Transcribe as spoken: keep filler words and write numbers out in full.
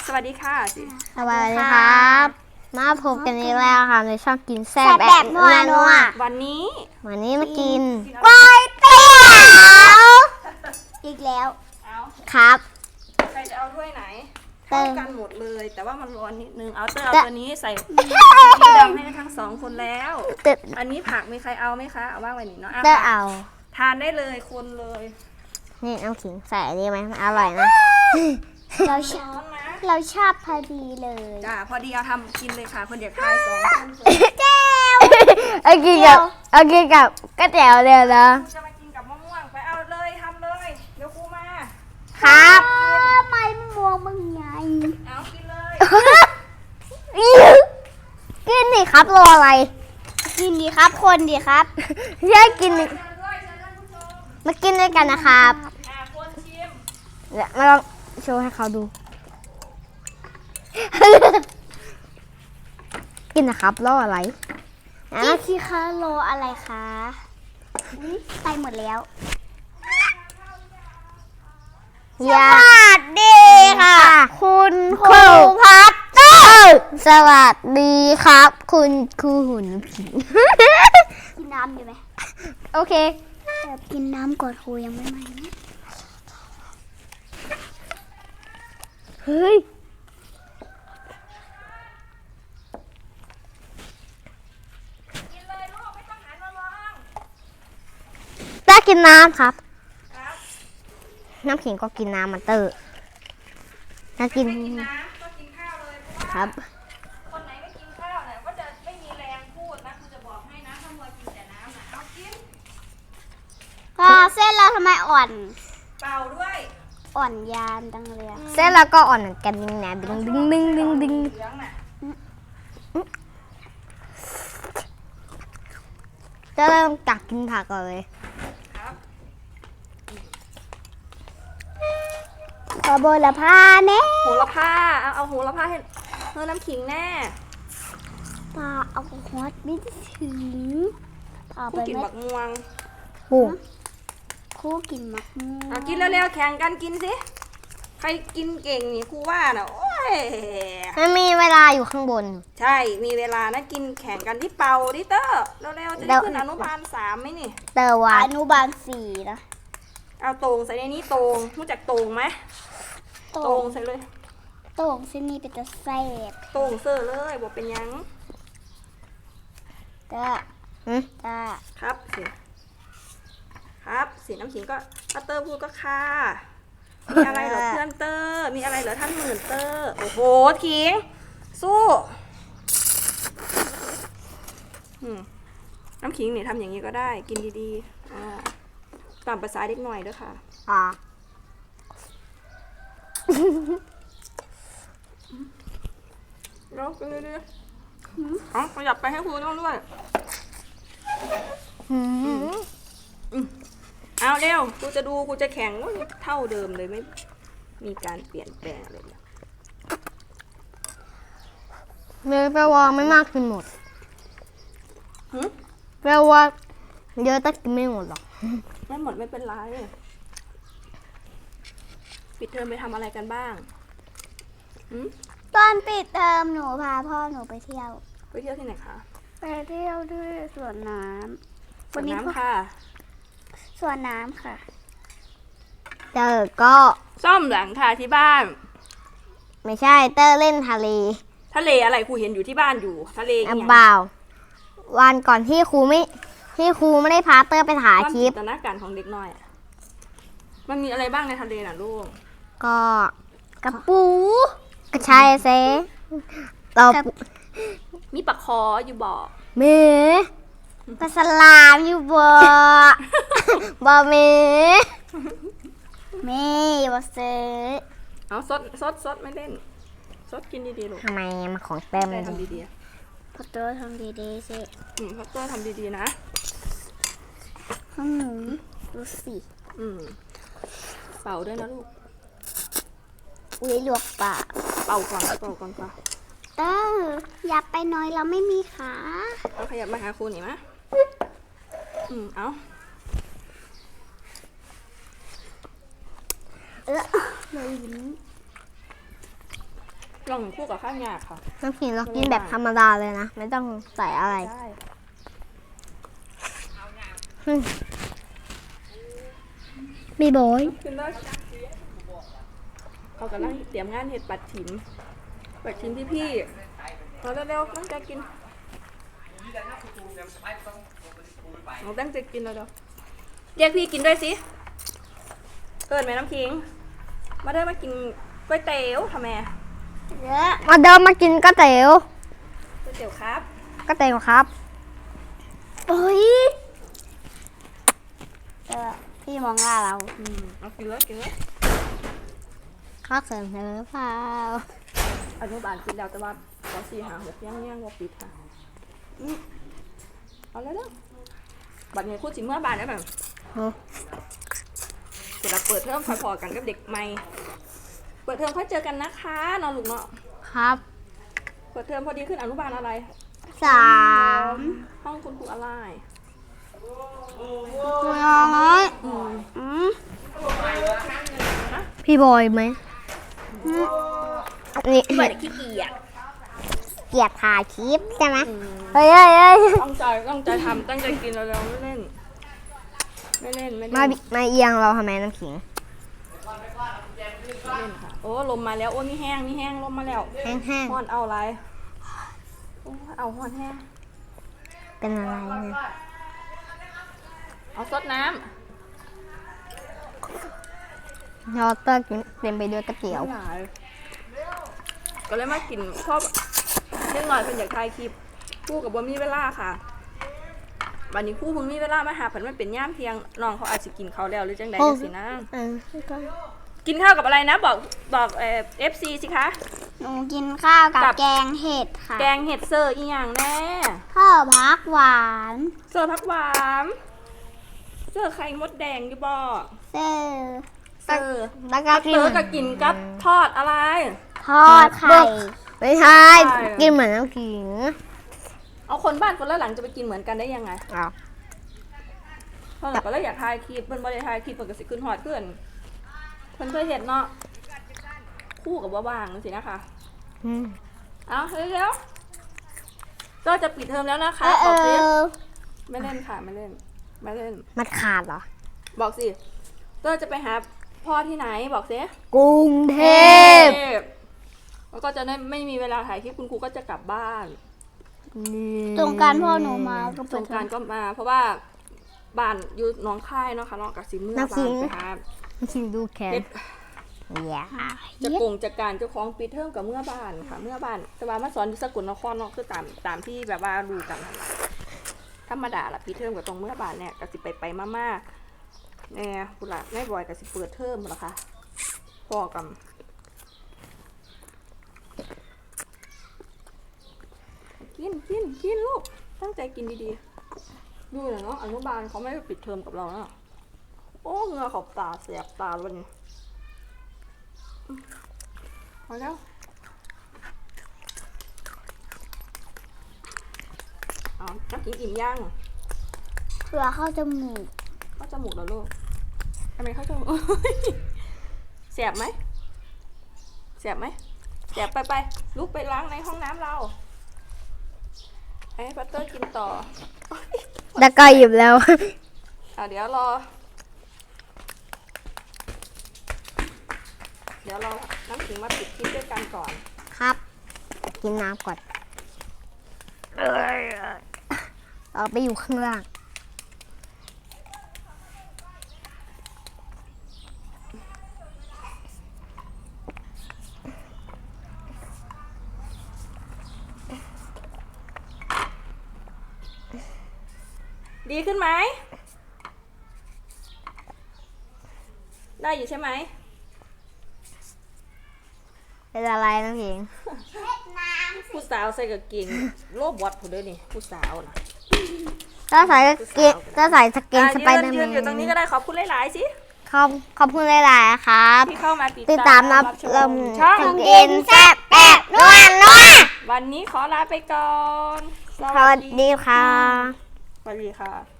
สวัสดีค่ะสวัสดีครับมาพบกันอีกแล้วค่ะในช่องกินแซ่บแบบนัวนัววันนี้วันนี้มากินก๋วยเตี๋ยวอีกแล้วครับใครจะเอาถ้วยไหนเข้ากันหมดเลยแต่ว่ามันร้อนนิดนึงเอาเตอร์เอาตัวนี้ใส่สีดำให้ทั้งสองคนแล้วอันนี้ผักมีใครเอาไหมคะเอาว่างไว้นี่เนาะเตอร์เอาทานได้เลยคนเลยนี่น้ำขิงใส่ดีไหมอร่อยนะเราชอบเราชอบพอดีเลยจ้าพอดีเอาทำกินเลยค่ะคนเดียวทายสองคนแก้วเอากินกับเอากินกับก๋วยเตี๋ยวเดียวนะจะมากินกับมะม่วงไปเอาเลยทำเลยเดี๋ยวครูมาครับไม่มะม่วงมึงไงเอากินเลยกินดิครับรออะไรกินดีครับคนดีครับใช่กินมากินด้วยกันนะครับคนชิมเดี๋ยวมาลองโชว์ให้เขาดูกินนะครับรออะไรกินสิคะรออะไรคะไปหมดแล้วสวัสดีค่ะคุณครูพัตเตอร์สวัสดีครับคุณครูหุ่นผีกินน้ำอยู่ไหมโอเคแบบกินน้ำก่อนครูยังไม่มาเฮ้ยกินเลยลูกไม่ต้องหันมามองได้กินน้ำครับน้ำขิงก็กินน้ำมันเตอร์น่ากินน้ำก็กินข้าวเลยครับคนไหนไม่กินข้าวเนี่ยก็จะไม่มีแรงพูดนะคือจะบอกให้นะถ้ามัวกินแต่น้ำนะเอากินก็เส้นเราทำไมอ่อนเปล่าด้วยอ่อนยานจังเลยเส้นแล้วก็อ่อนเหมือนกันดึงนะดึงดึงดึงดึงดึงจะเริ่มตักกินผักก่อนเลยขอโบละผ้าแน่โหระพาเอาเอาโหระพาให้เฮ้ยน้ำขิงแน่ปลาเอาฮอตไม่ถึงพาไปกินบักม่วงโอ้คู่กินมะม่วงเอากินเร็วๆแข่งกันกินสิใครกินเก่งนี่ครูว่าน่ะโอ้ยมันมีเวลาอยู่ข้างบนใช่มีเวลานะกินแข่งกันที่เป่าดิเตอร์เร็วๆจะได้ขึ้นอนุบาลสามไหมนี่เตอร์ว่าอนุบาลสี่นะเอาโต่งใส่ในนี้โต่งรู้จักโต่งไหมโต่งใส่เลยโต่งเส้นนี้เป็นตะแซ่บโต่งเสื้อเลยบอกเป็นยังจ้าจ้าครับสิครับสีน้ำขิงก็ถ้าเตอร์พูดก็ค่ะมีอะไรเหรอเพื่อนเตอร์มีอะไรเหรอท่านหมื่นเตอร์โอ้โหขิงสู้น้ำขิงเนี่ยทำอย่างนี้ก็ได้กินดีๆตามภาษาเด็กหน่อยด้วยค่ะอ่าแล้วกินดีๆอ๋อขยับไปให้ครูต้องด้วยเอาเร็วกูจะดูกูจะแข่งเท่าเดิมเลยไม่มีการเปลี่ยนแปลงเลยเมย์แปลว่าไม่มากกินหมดแปลว่าเยอะแต่กินไม่หมดหรอกไม่หมดไม่เป็นไรปิดเทอมไปทำอะไรกันบ้างตอนปิดเทอมหนูพาพ่อหนูไปเที่ยวไปเที่ยวที่ไหนคะไปเที่ยวด้วยสวนน้ำสวนน้ำค่ะสวนน้ำค่ะเตอร์ก็ซ่อมหลังคาที่บ้านไม่ใช่เตอร์เล่นทะเลทะเลอะไรครูเห็นอยู่ที่บ้านอยู่ทะเลอย่างเปล่าวันก่อนที่ครูไม่ที่ครูไม่ได้พาเตอร์ไปถ่ายคลิปจินตนาการของเด็กน้อยมันมีอะไรบ้างในทะเลน่ะลูกก็กระปูกระชายเซต่อมีปลาคออยู่บ่อเมปลาสลามอยู่บ่อบ่อเมเมย์บ่เซเอาซดซดซดไม่เล่นซดกินดีๆลูกทำไมมาของเต็มเลยทำดีๆพัตเตอร์ทำดีๆสิอืมพัตเตอร์ทำดีๆนะข้างหนูดูสิอืมเป่าด้วยนะลูกอุ้ยลวกปากเป่าก่อนเป่าก่อนป่ะเตอร์อย่าไปน้อยเราไม่มีขาเอาขยับมาหาครูหน่อยมะอืมเอาเออเลยยิ้มลองคู่กับข้าวหยาบค่ะน้ำขิงเรากินแบบธรรมดาเลยนะ ไม่ต้องใส่อะไรได้มีโบยกินได้เขากำลังเตรียมงานเห็ดปัดฉิมปัดฉิมพี่พี่ๆเอาเร็วๆตั้งใจกินเราตั้งใจกินแล้วเดี๋ยวเรียกพี่กินด้วยสิเอิญแม่น้ำขิงมาเด้อมากินก๋วยเตี๋ยวทำไมเยอะมาเดินมากินก๋วยเตี๋ยวก๋วยเตี๋ยวครับก๋วยเตี๋ยวครับโอ้ยเออพี่มองหน้าเราอืมเอากินเลยกินเลยข้าวเสริมเนื้อเปล่าอนุบาลกินแล้วแต่ว่าขอสี่หาหกย่างย่างว่าปิดค่ะอืมเอาเลยเด้อบัดนี้คู่จิเมื่อบานได้แบบโอ้เดี๋ยวเราเปิดเทอมค่อยพอกันกับเด็กใหม่ เปิดเทอมค่อยเจอกันนะคะนอนลูกเนาะครับเปิดเทอมพอดีขึ้นอนุบาลอะไรสามห้องคุณครูอะไรคุณน้อยอืมอืมพี่บอยไหมนี่เปิดขี้เกียจเกียรถ่ายคลิปใช่ไหมอืมเฮ้ยเฮ้ยเฮ้ยตั้งใจตั้งใจทำตั้งใจกินแล้วๆไม่เล่น ไม่เล่นไม่เล่นมาบิมาเอียงเราทำไมน้ำขิงไม่เล่นค่ะ โอ้ลมมาแล้วโอ้มีแห้งมีแห้งลมมาแล้วแห้งฮ้อนเอาอะไรโอ้เอาฮ้อนแห้งๆเป็นอะไรเนี่ยเอาซดน้ยอเตอร์กินเต็มไปด้วยก๋วยำเตี๋ยวไม่หลายก็เลยมากินชอบเล็กหน่อยเป็นอยากถ่ายคลิปคู่กับบ่มีเวลาค่ะ วันนี้คู่เพิ่งมีเวลามาหาผันมันเป็นย่ามเที่ยงน้องเขาอาจจะกินข้าวแล้วหรือจังใดโอ้จังสินะเออกินข้าวกับอะไรนะบอกบอกเอ่อฟซีสิคะหนูกินข้าวกับกับแกงเห็ดค่ะแกงเห็ดเซอร์อีหยังแน่ข้าวพักหวานเซอร์ผักหวานเซอร์ไข่มดแดงอยู่บ่เซอร์เซอร์แล้วก็เซอร์กับกินกับทอดอะไรทอดไข่ไม่ใช่ใช่กินเหมือนน้ำขิงเอาคนบ้านคนละหลังจะไปกินเหมือนกันได้ยังไงอ้าวเพราะหลังก็เลยอยากถ่ายคลิปเพิ่นบ่ได้ถ่ายคลิปเพิ่นก็สิขึ้นฮอดเพื่อนเพิ่นเคยเห็นเนาะคู่กับว่าว่างสินะคะอืมเอาเร็วๆก็จะปิดเทอมแล้วนะคะเออเอบอกสิอไม่เล่นค่ะไม่เล่นไม่เล่นมันขาดเหรอบอกสิเต้ยจะไปหาพ่อที่ไหนบอกสิกรุงเทพแล้วก็จะได้ไม่มีเวลาถ่ายคลิปคุณครูก็จะกลับบ้านตรงการพ่อหนูมาก็สเปิดงกรารก็มา เพราะว่าบ้านอยู่หน้องค่ายเนาะค่ะเนาะกับสิเมื่อบ้านไปหาน้ำขิงดูแขนเฮ็ดอย่าจะกงจากการเจ้าของปีเทอมกับเมื่อบ้านค่ะ เมื่อบ้านแต่ว่ามาสอนที่สกลนครเนาะคือตามตามที่แบบว่ารู้กันนั่นล่ะธรรมดาละปีเทอมกับตรงเมื่อบ้านเนี่ยก็สิไปไปมาม่าเนี่ยคุณล่ะแม่บอยก็สิเปิดเทอมหรอคะพ่อกับกินกินกินลูกตั้งใจกินดีๆดูหน่อยเนาะอนุบาลเขาไม่ได้ปิดเทอมกับเราเนาะโอ้เหงือขอบตาแสบตาเลยนี่พอแล้วเอาน้ำกินอิ่มย่างเผื่อเข้าจมูกเข้าจมูกแล้วลูกทำไมเข้าจมูก แสบไหมแสบไหมแสบไปไปลุกไปล้างในห้องน้ำเราให้พัตเตอร์กินต่อแล้วก็หยิบแล้วเอาเดี๋ยวรอ เดี๋ยวเราน้ำขิงมาปิดคลิปด้วยกันก่อนครับ กินน้ำก่อนเราไปอยู่ข้างล่างดีขึ้นไหม ได้อยู่ใช่ไหมเป็นอะไรน้ำขิงผู้สาวใส่กางเกงโลบวัดผู้เด้อนี่ผู้สาวนะถ้าใส่กางเกงถ้าใส่สเกนสไปอ่ะเดอร์ยืแมนยืนอยู่ตรงนี้ก็นได้ขอบคุณหลายๆสิขอบขอบคุณหลายๆครับที่เข้ามาติดติดตามรับชลมมช่องกินแซ่บแอบนัวนัววันนี้ขอลาไปก่อนสวัสดีค่ะสวัสดีค่ะ